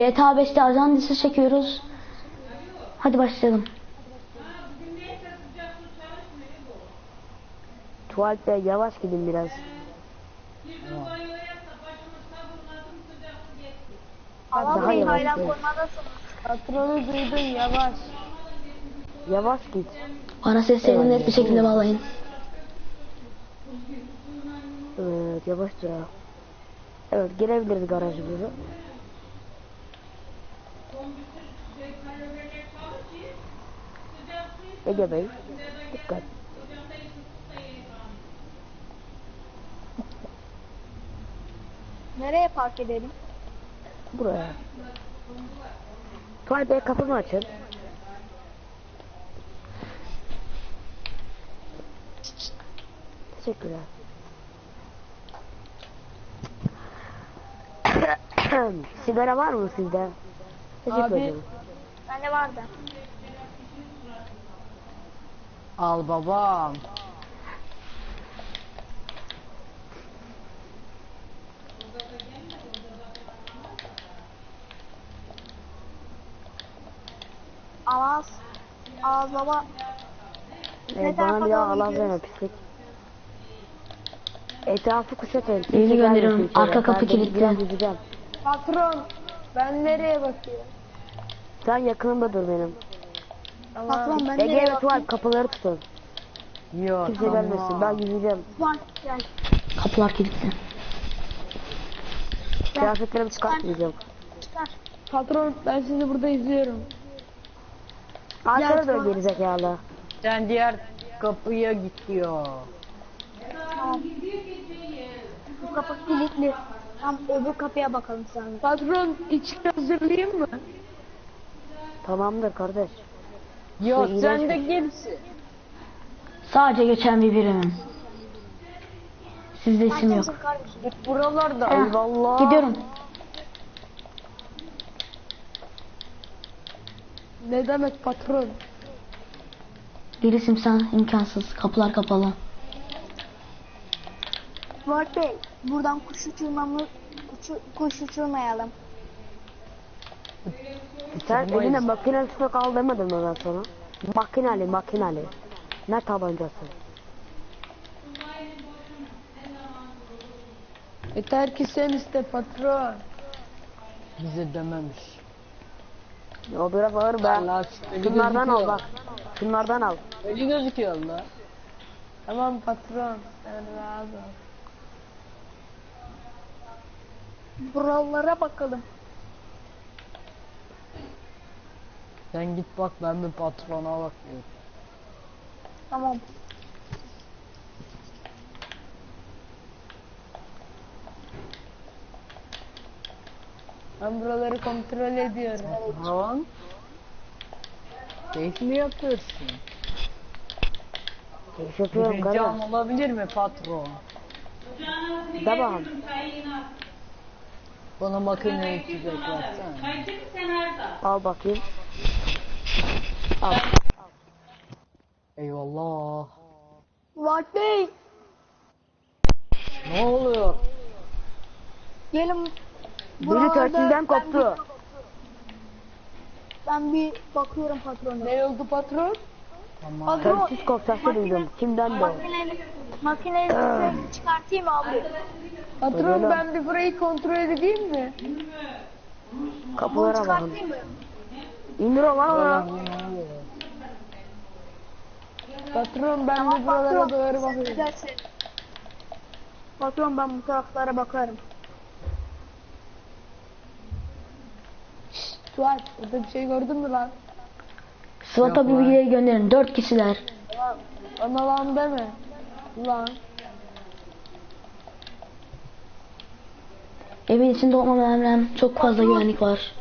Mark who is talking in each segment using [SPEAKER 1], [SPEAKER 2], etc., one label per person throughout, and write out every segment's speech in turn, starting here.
[SPEAKER 1] GTA 5'te ajan dizisi çekiyoruz. Hadi başlayalım.
[SPEAKER 2] Tuvalet Bey yavaş gidin biraz.
[SPEAKER 3] Ama
[SPEAKER 2] Daha
[SPEAKER 3] bir
[SPEAKER 2] yavaş
[SPEAKER 3] bayram
[SPEAKER 2] git.
[SPEAKER 3] koymadasınız.
[SPEAKER 4] Patronu duydun yavaş.
[SPEAKER 2] Yavaş git.
[SPEAKER 1] Bana seslerini net bir şekilde bağlayın.
[SPEAKER 2] Evet yavaşça. Evet girebiliriz garajımıza. Ege Bey dikkat.
[SPEAKER 3] Nereye park edelim?
[SPEAKER 2] Buraya. Tuvalet Bey kapımı açın. Teşekkürler. Sigara var mı sizde? Teşekkür
[SPEAKER 4] Abi.
[SPEAKER 2] ederim.
[SPEAKER 3] Bende vardı.
[SPEAKER 4] Al babam.
[SPEAKER 3] Ağız. Ağız baba.
[SPEAKER 2] Evet,
[SPEAKER 3] Neden
[SPEAKER 2] bana bir daha
[SPEAKER 3] falan
[SPEAKER 2] alan verme pislik. Etrafı kuşatın.
[SPEAKER 1] Birini gönderiyorum.
[SPEAKER 2] gelmesin içeri.
[SPEAKER 1] Arka kapı
[SPEAKER 2] Ben
[SPEAKER 1] kilitli.
[SPEAKER 2] biraz yüzeceğim.
[SPEAKER 4] Patron. Ben nereye bakıyorum?
[SPEAKER 2] Sen yakınımda dur benim.
[SPEAKER 3] Patron ben
[SPEAKER 2] Ege
[SPEAKER 3] nereye
[SPEAKER 2] ve
[SPEAKER 3] bakayım?
[SPEAKER 2] Tuval kapıları tutun.
[SPEAKER 4] Yok.
[SPEAKER 2] Kimse gelmesin. Ben yüzeceğim.
[SPEAKER 3] Tuval gel.
[SPEAKER 1] Kapılar kilitli.
[SPEAKER 2] Kıyafetlerimi çıkartmayacağım.
[SPEAKER 3] Çıkar.
[SPEAKER 4] Patron ben sizi burada izliyorum.
[SPEAKER 2] Arkana dön
[SPEAKER 3] Tuval.
[SPEAKER 2] gerizekalı.
[SPEAKER 4] Sen diğer kapıya gidiyor.
[SPEAKER 3] Tamam. Bu kapı kilitli. Tam öbür kapıya bakalım sen.
[SPEAKER 4] Patron içki hazırlayayım mı?
[SPEAKER 2] Tamamdır kardeş.
[SPEAKER 4] Yok
[SPEAKER 2] iğrenç
[SPEAKER 4] sen de
[SPEAKER 2] bir-
[SPEAKER 4] kimsin?
[SPEAKER 1] Sadece geçen bir birimim. Sizde isim yok.
[SPEAKER 3] Kimsin kardeşim?
[SPEAKER 4] Git buralarda.
[SPEAKER 1] Heh,
[SPEAKER 2] Eyvallah.
[SPEAKER 1] Gidiyorum.
[SPEAKER 4] Ne demek patron?
[SPEAKER 1] Bir isim sen imkansız. Kapılar kapalı.
[SPEAKER 3] Tuval Bey, buradan kuş uçurmayalım.
[SPEAKER 2] Sen
[SPEAKER 4] Çıkmayız.
[SPEAKER 2] eline makine tutak al demedim mi ben sana? Makineli. Ne tabancası?
[SPEAKER 4] Yeter ki sen iste patron. Bize dememiş.
[SPEAKER 2] O biraz ağır be.
[SPEAKER 4] Allah öyle
[SPEAKER 2] Şunlardan al
[SPEAKER 4] gözüküyor.
[SPEAKER 2] bak. Şunlardan al.
[SPEAKER 4] Öyle gözüküyor Allah. Tamam patron. Sen rahat ol.
[SPEAKER 3] Buralara bakalım.
[SPEAKER 4] Sen git bak ben bir patrona bakıyorum.
[SPEAKER 3] Tamam.
[SPEAKER 4] Ben buraları kontrol ediyorum. Patron. Keyif mi yapıyorsun?
[SPEAKER 2] Keyif yapıyorum
[SPEAKER 4] Bir
[SPEAKER 2] kardeş.
[SPEAKER 4] ricam olabilir mi patron?
[SPEAKER 2] De bakalım.
[SPEAKER 4] Bana makineyi çizecek versene.
[SPEAKER 2] Al bakayım. Al.
[SPEAKER 4] Eyvallah.
[SPEAKER 3] Tuval Bey,
[SPEAKER 4] Ne oluyor?
[SPEAKER 3] gelin.
[SPEAKER 2] Biri
[SPEAKER 3] Buralarda
[SPEAKER 2] tersinden koptu.
[SPEAKER 3] Ben bir bakıyorum patrona.
[SPEAKER 4] Ne oldu patron? Tamam.
[SPEAKER 3] Patron,
[SPEAKER 2] Tersiz kopsası duydum. Kimden de o?
[SPEAKER 3] makineyi ses çıkartayım abi.
[SPEAKER 4] Patron
[SPEAKER 2] Öyle.
[SPEAKER 4] ben bir burayı kontrol edeyim mi?
[SPEAKER 2] Kapılara bakın.
[SPEAKER 3] Çıkartayım mı?
[SPEAKER 2] İndir o lan.
[SPEAKER 4] Patron ben bir buralara doğru bakıyorum.
[SPEAKER 3] Güzelsin. Patron ben bu taraflara bakarım.
[SPEAKER 4] Suat burada bir şey gördün mü lan?
[SPEAKER 1] SWAT'a bir bilgileri gönderin. 4 kişiler.
[SPEAKER 4] Bana lan deme. Lan.
[SPEAKER 1] Evin içinde olmama rağmen çok fazla güvenlik var.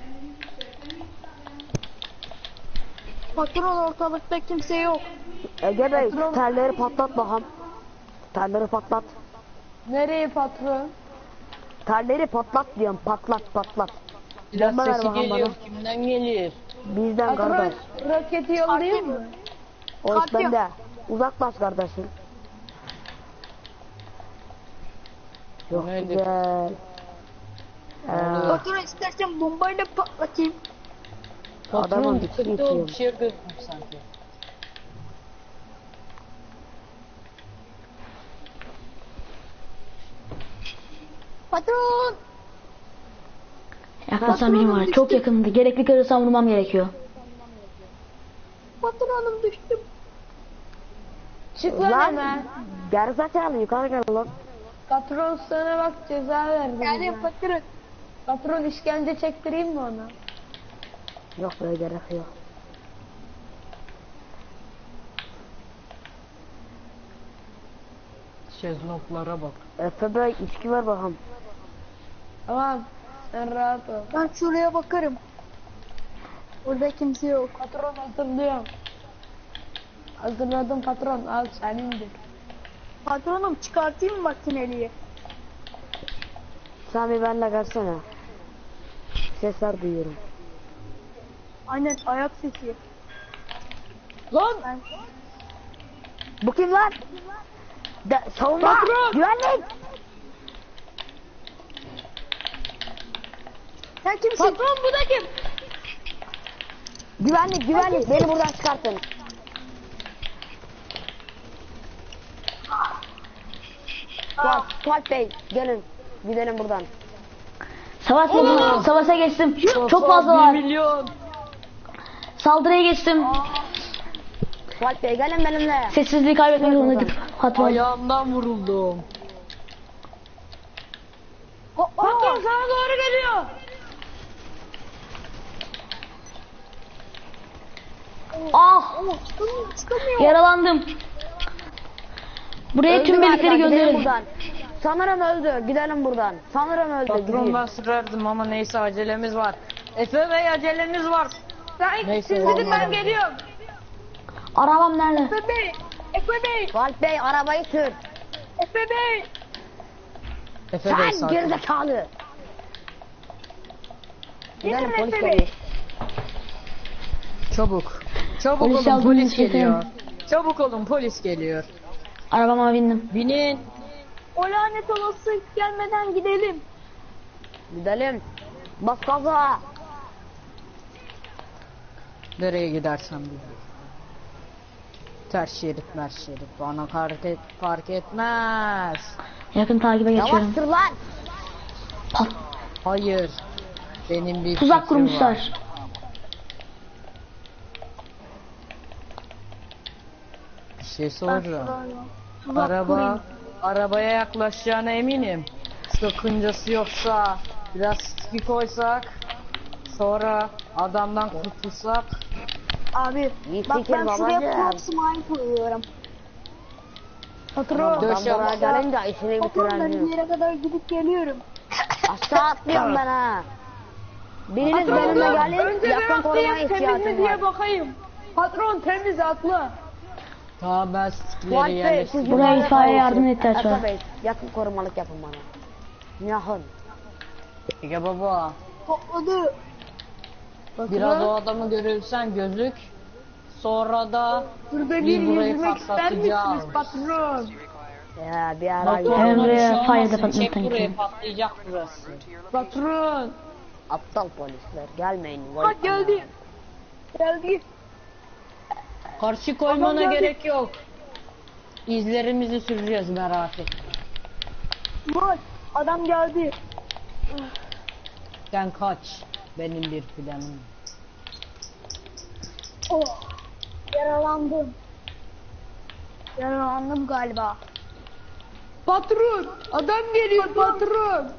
[SPEAKER 3] Patron ortalıkta kimse yok.
[SPEAKER 2] Ege Bey telleri patlat bakalım. Telleri patlat.
[SPEAKER 4] Nereye patron?
[SPEAKER 2] Telleri patlat diyorum. Patlat.
[SPEAKER 4] Biraz
[SPEAKER 2] Bomba ver
[SPEAKER 4] sesi
[SPEAKER 2] bakalım
[SPEAKER 4] geliyor.
[SPEAKER 2] bana.
[SPEAKER 4] Kimden gelir?
[SPEAKER 2] Bizden
[SPEAKER 4] Patron
[SPEAKER 2] kardeş.
[SPEAKER 4] roketi yollayayım mı?
[SPEAKER 2] O iş
[SPEAKER 3] Kalkıyor.
[SPEAKER 2] bende. Uzaklaş kardeşim. Çok
[SPEAKER 4] Nerede?
[SPEAKER 2] güzel.
[SPEAKER 3] Patron istersen bombayla patlatayım.
[SPEAKER 2] Adamın
[SPEAKER 4] Patron
[SPEAKER 2] bir şey
[SPEAKER 4] çıktı o
[SPEAKER 2] itiyor.
[SPEAKER 4] bir şey gözükmüş sanki.
[SPEAKER 3] Patron.
[SPEAKER 1] Yaklaşan birim var. Çok yakındı. Gerekli karırsam vurmam gerekiyor.
[SPEAKER 3] Patronum düştüm.
[SPEAKER 4] Çık lan
[SPEAKER 2] Lan
[SPEAKER 4] hemen.
[SPEAKER 2] gerizekalı yukarı gel lan.
[SPEAKER 4] Patron sana bak ceza verdi.
[SPEAKER 3] Yani
[SPEAKER 4] bize.
[SPEAKER 3] patron.
[SPEAKER 4] Patron işkence çektireyim mi ona?
[SPEAKER 2] Yok böyle gerek yok.
[SPEAKER 4] Şeznoklara bak.
[SPEAKER 2] Efe Bey içki ver bakalım.
[SPEAKER 4] Tamam. Sen rahat ol.
[SPEAKER 3] Ben şuraya bakarım. Burada kimse yok.
[SPEAKER 4] Patron hazırlıyorum. Hazırladım patron. Al senindir.
[SPEAKER 3] Patronum çıkartayım mı makineliği?
[SPEAKER 2] Sen bir benimle gelsene. Sesler duyuyorum.
[SPEAKER 3] Aynen ayak sesi.
[SPEAKER 4] Lan!
[SPEAKER 3] Ben...
[SPEAKER 2] Bu kim lan? Savunma!
[SPEAKER 4] Patron!
[SPEAKER 2] Güvenlik!
[SPEAKER 3] Sen kimsin?
[SPEAKER 4] Patron bu da kim?
[SPEAKER 2] Güvenlik! Beni buradan çıkartın. Fuat Bey gelin. Gidelim buradan.
[SPEAKER 1] Savaş moduna, savaşa geçtim. Çok
[SPEAKER 4] 1
[SPEAKER 1] fazlalar.
[SPEAKER 4] milyon.
[SPEAKER 1] Saldırıya geçtim.
[SPEAKER 2] Fuat Bey gelin benimle.
[SPEAKER 1] Sessizliği kaybetmek zorundaydık. Patron.
[SPEAKER 4] Ayağımdan vuruldum. Patron sana doğru geliyor.
[SPEAKER 1] Ah!
[SPEAKER 3] Çıkamıyor.
[SPEAKER 1] Yaralandım. Buraya tüm
[SPEAKER 2] Öldü galiba,
[SPEAKER 1] birlikleri
[SPEAKER 2] gidelim
[SPEAKER 1] gönderelim.
[SPEAKER 2] buradan. Sanırım öldü. Gidelim buradan. Sanırım öldü.
[SPEAKER 4] Patron
[SPEAKER 2] Gideyim.
[SPEAKER 4] ben sürerdim ama neyse acelemiz var. Efe Bey aceleniz var.
[SPEAKER 2] Neyse,
[SPEAKER 4] Siz gidin ben geliyorum.
[SPEAKER 1] Arabam nerede?
[SPEAKER 3] Efe Bey. Efe Bey.
[SPEAKER 2] Fuat Bey arabayı sür.
[SPEAKER 3] Efe Bey.
[SPEAKER 4] Efe Bey
[SPEAKER 2] Sen
[SPEAKER 4] sakin.
[SPEAKER 2] gerizekalı. Gidelim
[SPEAKER 3] Efe
[SPEAKER 2] polis
[SPEAKER 3] Bey.
[SPEAKER 2] geliyor.
[SPEAKER 4] Çabuk. Çabuk
[SPEAKER 1] Polis
[SPEAKER 4] olun
[SPEAKER 1] aldığınız
[SPEAKER 4] polis
[SPEAKER 1] için
[SPEAKER 4] geliyor. Çabuk olun polis geliyor.
[SPEAKER 1] Arabama bindim.
[SPEAKER 4] Binin.
[SPEAKER 3] O lanet olası gelmeden gidelim.
[SPEAKER 2] Gidelim. Bas gaza.
[SPEAKER 4] Nereye gidersen bil. Ters şerit mers şerit bana fark etmez.
[SPEAKER 1] Yakın takibe geçiyorum.
[SPEAKER 2] Yavaştır lan.
[SPEAKER 1] Pat.
[SPEAKER 4] Hayır. Benim bir
[SPEAKER 1] Tuzak
[SPEAKER 4] fikrim var.
[SPEAKER 1] kurmuşlar.
[SPEAKER 4] Bir şey soracağım.
[SPEAKER 3] Tuzak kurayım.
[SPEAKER 4] Arabaya yaklaşacağına eminim. Sakıncası yoksa biraz sticky koysak, sonra adamdan kurtulsak.
[SPEAKER 3] Abi
[SPEAKER 2] İyi
[SPEAKER 3] bak
[SPEAKER 2] fikir
[SPEAKER 3] ben şuraya
[SPEAKER 2] babacığım.
[SPEAKER 3] proximine koyuyorum.
[SPEAKER 4] Patron.
[SPEAKER 2] Adam
[SPEAKER 4] Döş
[SPEAKER 2] buraya
[SPEAKER 4] yap.
[SPEAKER 2] gelince işini
[SPEAKER 3] Patron ben bir
[SPEAKER 2] bitirelim.
[SPEAKER 3] yere kadar gidip geliyorum.
[SPEAKER 2] Aşağı atlıyorum ben ha. Biriniz benimle gelin. Yakın korumaya ihtiyacım var.
[SPEAKER 4] bakayım. Patron temiz atla. Tamam ben
[SPEAKER 2] Fuat
[SPEAKER 4] stickleri
[SPEAKER 2] Bey siz
[SPEAKER 4] yerleştirdim.
[SPEAKER 1] Buraya
[SPEAKER 2] yukarıda
[SPEAKER 1] itfaiye
[SPEAKER 2] kalın.
[SPEAKER 1] yardım ihtiyaç var.
[SPEAKER 2] Efe Bey yakın korumalık yapın bana. Yakın.
[SPEAKER 4] Ya baba.
[SPEAKER 3] Topladı.
[SPEAKER 4] Biraz o adamı görürsen gözük. Sonra da
[SPEAKER 3] Burada
[SPEAKER 4] biz burayı
[SPEAKER 3] yüzmek ister
[SPEAKER 4] patlatacağız.
[SPEAKER 3] misiniz patron?
[SPEAKER 2] Ya bir ara
[SPEAKER 1] Hemen buraya
[SPEAKER 4] Şu an
[SPEAKER 1] fire
[SPEAKER 4] olmasın,
[SPEAKER 1] department'tan
[SPEAKER 4] çek buraya
[SPEAKER 1] gidelim.
[SPEAKER 4] patlayacak burası. Patron.
[SPEAKER 2] aptal polisler gelmeyin.
[SPEAKER 3] Ha geldi. Geldi.
[SPEAKER 4] Karşı koymana
[SPEAKER 3] Adam geldi.
[SPEAKER 4] gerek yok. İzlerimizi süreceğiz merak etme.
[SPEAKER 3] Var. Adam geldi.
[SPEAKER 4] Sen kaç. Benim bir planım.
[SPEAKER 3] Oh. Yaralandım. Yaralandım galiba.
[SPEAKER 4] Patron. Adam geliyor patron.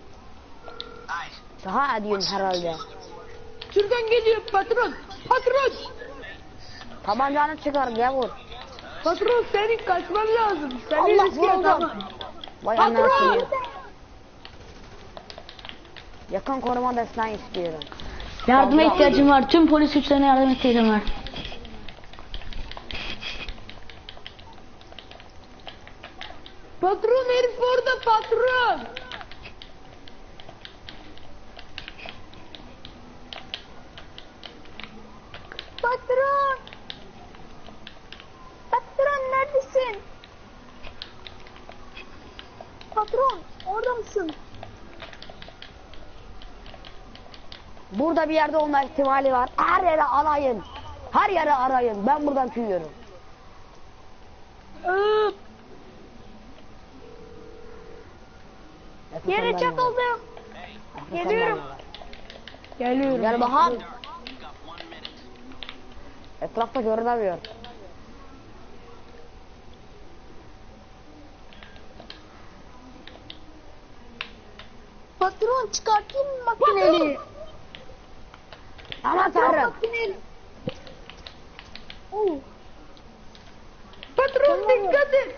[SPEAKER 2] Daha diyorsun herhalde.
[SPEAKER 4] Şuradan geliyor patron. Patron.
[SPEAKER 2] Tabancanı çıkar gavur.
[SPEAKER 4] Patron senin kaçman lazım.
[SPEAKER 2] Allah vuruldum. Vay anasını. Yakın koruma desteği istiyorum.
[SPEAKER 1] Yardıma ihtiyacım var. Tüm polis güçlerine yardım ihtiyacım var.
[SPEAKER 4] Patron herif orada patron.
[SPEAKER 3] Patron. Patron neredesin? Patron orada mısın?
[SPEAKER 2] Burada bir yerde olma ihtimali var. Her yere arayın. Her yere arayın. Ben buradan tüyüyorum.
[SPEAKER 3] Yere çakıldım. Geliyorum.
[SPEAKER 4] Geliyorum.
[SPEAKER 2] Gel bakalım. Etrafta görünemiyor.
[SPEAKER 3] Patron çıkartayım mı makineli?
[SPEAKER 2] Aman tanrım.
[SPEAKER 3] Makineli. Oo. Patron dikkat et.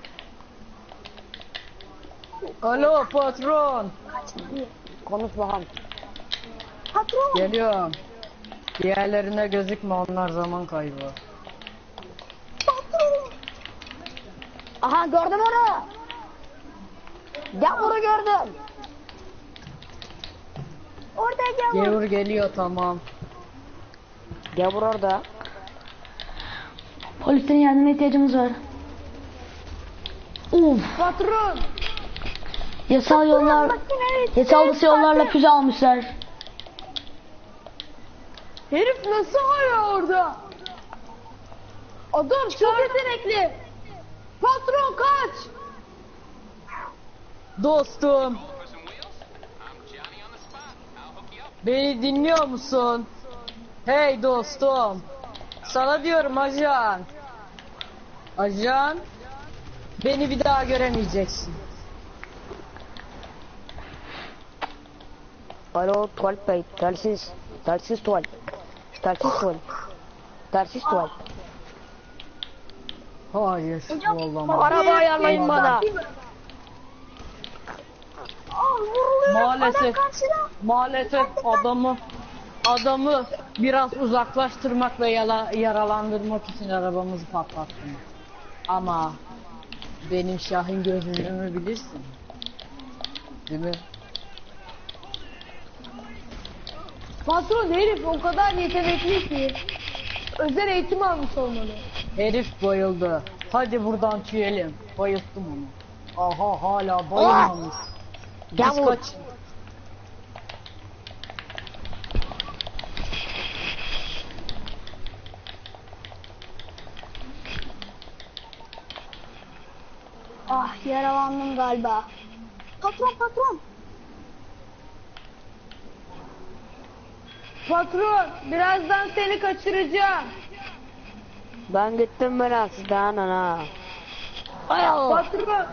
[SPEAKER 4] Alo patron.
[SPEAKER 2] Konuş bakalım.
[SPEAKER 3] Patron.
[SPEAKER 4] Geliyorum. Diğerlerine gözükme, onlar zaman kaybı.
[SPEAKER 3] Patron.
[SPEAKER 2] Aha gördüm onu. Gavuru gördüm.
[SPEAKER 3] Orada gel.
[SPEAKER 4] Gevur geliyor, tamam.
[SPEAKER 2] Gavur orada.
[SPEAKER 1] Polislerin yardımına ihtiyacımız var. Uf.
[SPEAKER 3] Patron.
[SPEAKER 1] Yasal yollar, yasal dışı yollarla füze almışlar.
[SPEAKER 3] Herif nasıl hala orada? Adam çok yetenekli. Patron kaç.
[SPEAKER 4] Dostum. Beni dinliyor musun? Hey dostum. Sana diyorum ajan. Ajan. Beni bir daha göremeyeceksin.
[SPEAKER 2] Alo tuvalet bey. Telsiz. Telsiz tuvalet. Telsiz tuvalet. Telsiz tuvalet.
[SPEAKER 4] Hayır, olamaz.
[SPEAKER 2] Araba ayarlayın bana.
[SPEAKER 4] Maalesef, maalesef adamı biraz uzaklaştırmak ve yaralandırmak için arabamızı patlattım. Ama benim Şahin gözlüğümü bilirsin. Değil mi?
[SPEAKER 3] Patron herif o kadar yetenekli ki. Özel eğitim almış olmalı.
[SPEAKER 4] Herif bayıldı. Hadi buradan tüyelim. Bayılttım onu. Aha, hala bayılmamış. Biz
[SPEAKER 2] Gavur.
[SPEAKER 4] kaç...
[SPEAKER 3] Ah yaralandım galiba. Patron. Patron birazdan seni kaçıracağım.
[SPEAKER 2] Ben gittim ben sizden ana. Ay Allah.
[SPEAKER 3] Patron.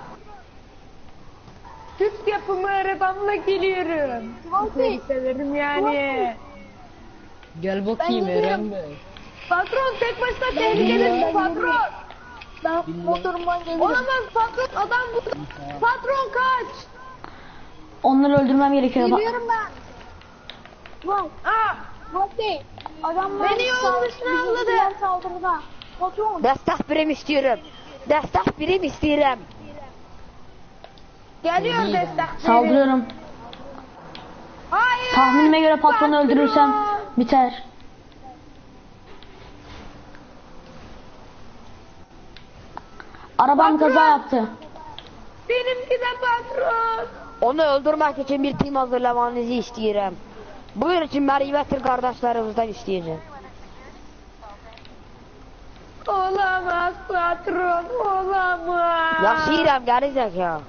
[SPEAKER 3] Türk yapımı arabamla geliyorum. Seni severim yani.
[SPEAKER 4] Gel bakayım
[SPEAKER 3] Ben gidiyorum.
[SPEAKER 4] Eren Bey.
[SPEAKER 3] Patron tek başına tehlikelisin patron. Ben motorumdan geliyorum. Olamaz patron adam bu. Patron kaç.
[SPEAKER 1] Onları öldürmem gerekiyor.
[SPEAKER 3] Geliyorum ben. Vay. Bak değil. Adamlar beni yolun dışına avladı. Saldırıda. Patron.
[SPEAKER 2] Destek birim istiyorum. Destek birim istiyorum.
[SPEAKER 3] Geliyor destek.
[SPEAKER 1] Saldırıyorum.
[SPEAKER 3] Hayır.
[SPEAKER 1] Tahminime göre patronu öldürürsem biter. Arabam kaza yaptı.
[SPEAKER 3] Benimki de patron.
[SPEAKER 2] Onu öldürmek için bir tim hazırlamanızı istiyorum. Buyur için Merve'tir kardeşlerimizden isteyeceğim.
[SPEAKER 3] Olamaz patron. Olamaz.
[SPEAKER 2] Yaşayırım gelecek ya.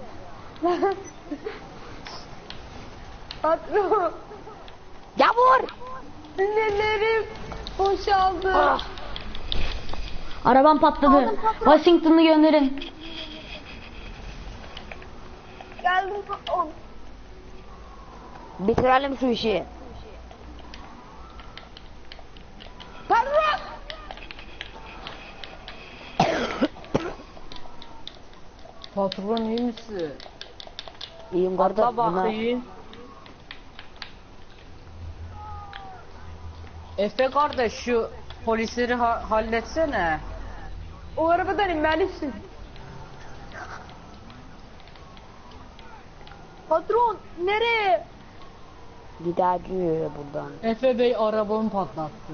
[SPEAKER 3] Patron.
[SPEAKER 2] Gavur.
[SPEAKER 3] Nelerim boşaldı.
[SPEAKER 2] Ah.
[SPEAKER 1] Arabam patladı. Washington'ı gönderin.
[SPEAKER 3] Geldim patron.
[SPEAKER 2] Bitirelim şu işi.
[SPEAKER 3] Patron.
[SPEAKER 4] Patron iyi misin?
[SPEAKER 2] İyiyim kardeş.
[SPEAKER 4] Atla bakayım. Efe kardeş şu polisleri halletsene.
[SPEAKER 3] O arabadan inmelisin. Patron nereye?
[SPEAKER 2] Gidiyor buradan.
[SPEAKER 4] Efe Bey arabamı patlattı.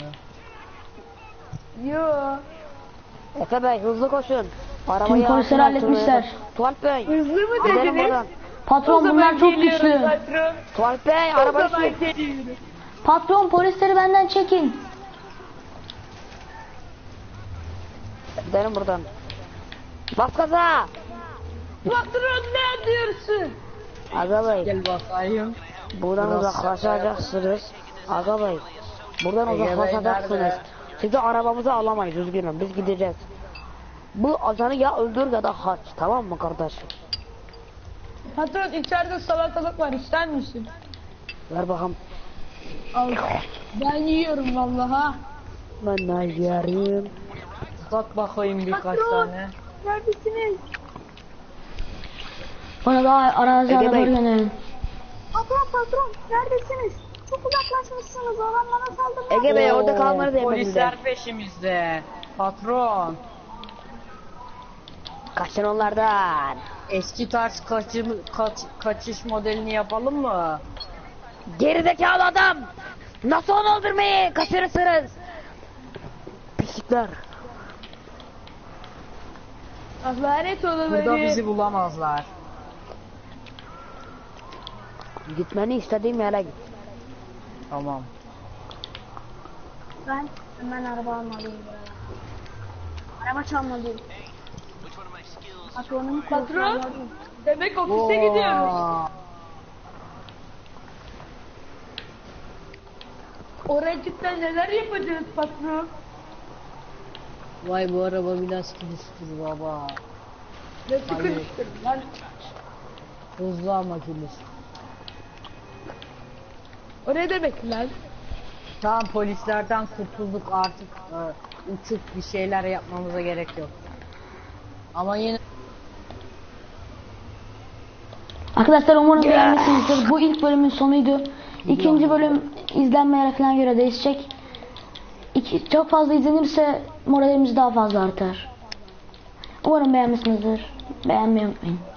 [SPEAKER 3] Yo.
[SPEAKER 2] Efe Bey hızlı koşun.
[SPEAKER 1] Tüm polisleri halletmişler.
[SPEAKER 2] Tuvalet Bey.
[SPEAKER 3] Hızlı mı
[SPEAKER 2] Gidelim
[SPEAKER 3] dediniz?
[SPEAKER 2] buradan.
[SPEAKER 1] Patron bunlar çok güçlü.
[SPEAKER 3] Patron.
[SPEAKER 2] Tuvalet Bey
[SPEAKER 3] O
[SPEAKER 2] araba
[SPEAKER 3] zaman
[SPEAKER 2] sür.
[SPEAKER 3] geliyorum.
[SPEAKER 1] Patron polisleri benden çekin.
[SPEAKER 2] Gidelim buradan. Bas gaza.
[SPEAKER 3] Patron ne diyorsun?
[SPEAKER 2] Aga bey.
[SPEAKER 4] Gel bakayım.
[SPEAKER 2] Buradan
[SPEAKER 4] Biraz
[SPEAKER 2] uzaklaşacaksınız. Aga bey. Buradan
[SPEAKER 4] Ege Bey
[SPEAKER 2] uzaklaşacaksınız.
[SPEAKER 4] nerede?
[SPEAKER 2] Sizi arabamıza alamayız üzgünüm. Biz gideceğiz. Bu ajanı ya öldür ya da kaç. Tamam mı kardeşim?
[SPEAKER 3] Patron içeride salatalık var ister misin?
[SPEAKER 2] Ver bakalım.
[SPEAKER 3] Al. Ben yiyorum vallaha.
[SPEAKER 2] Ben ne yerim?
[SPEAKER 4] Sat bakayım birkaç
[SPEAKER 3] Patron.
[SPEAKER 4] tane.
[SPEAKER 3] Neredesiniz?
[SPEAKER 1] Bana daha arazi
[SPEAKER 2] Ege
[SPEAKER 1] arabaları
[SPEAKER 2] Bey.
[SPEAKER 1] gönderin.
[SPEAKER 3] Patron neredesiniz? Çok uzaklaşmışsınız. Adamlara saldırın.
[SPEAKER 2] Ege Bey orada
[SPEAKER 4] Oo,
[SPEAKER 2] kalmanız emrinde.
[SPEAKER 4] Polisler peşimizde. Patron.
[SPEAKER 2] Kaçın onlardan.
[SPEAKER 4] Eski tarz kaçış modelini yapalım mı?
[SPEAKER 2] Gerizekalı adam. Nasıl onu öldürmeyi kaçırırsınız? Pislikler.
[SPEAKER 3] Lanet
[SPEAKER 4] Burada
[SPEAKER 3] olanları.
[SPEAKER 4] bizi bulamazlar.
[SPEAKER 2] Gitmeni istediğim yere git.
[SPEAKER 4] Tamam.
[SPEAKER 3] Ben hemen araba almalıyım. Araba çalmalıyım. Patron. Demek ofise gidiyoruz.
[SPEAKER 4] Oo.
[SPEAKER 3] Oracıkta neler yapacağız patron?
[SPEAKER 4] Vay bu araba biraz kiliştir baba.
[SPEAKER 3] Ne sıkıştırdım lan.
[SPEAKER 4] Hızlı ama kilis.
[SPEAKER 3] O ne demek lan?
[SPEAKER 4] Tamam polislerden kurtulduk artık. Uçup bir şeyler yapmamıza gerek yok. Ama yine
[SPEAKER 1] Arkadaşlar umarım beğenmişsinizdir. Bu ilk bölümün sonuydu. İkinci bölüm izlenmelere falan göre değişecek. Çok fazla izlenirse moralimiz daha fazla artar. Umarım beğenmişsinizdir. Beğenmeyi unutmayın.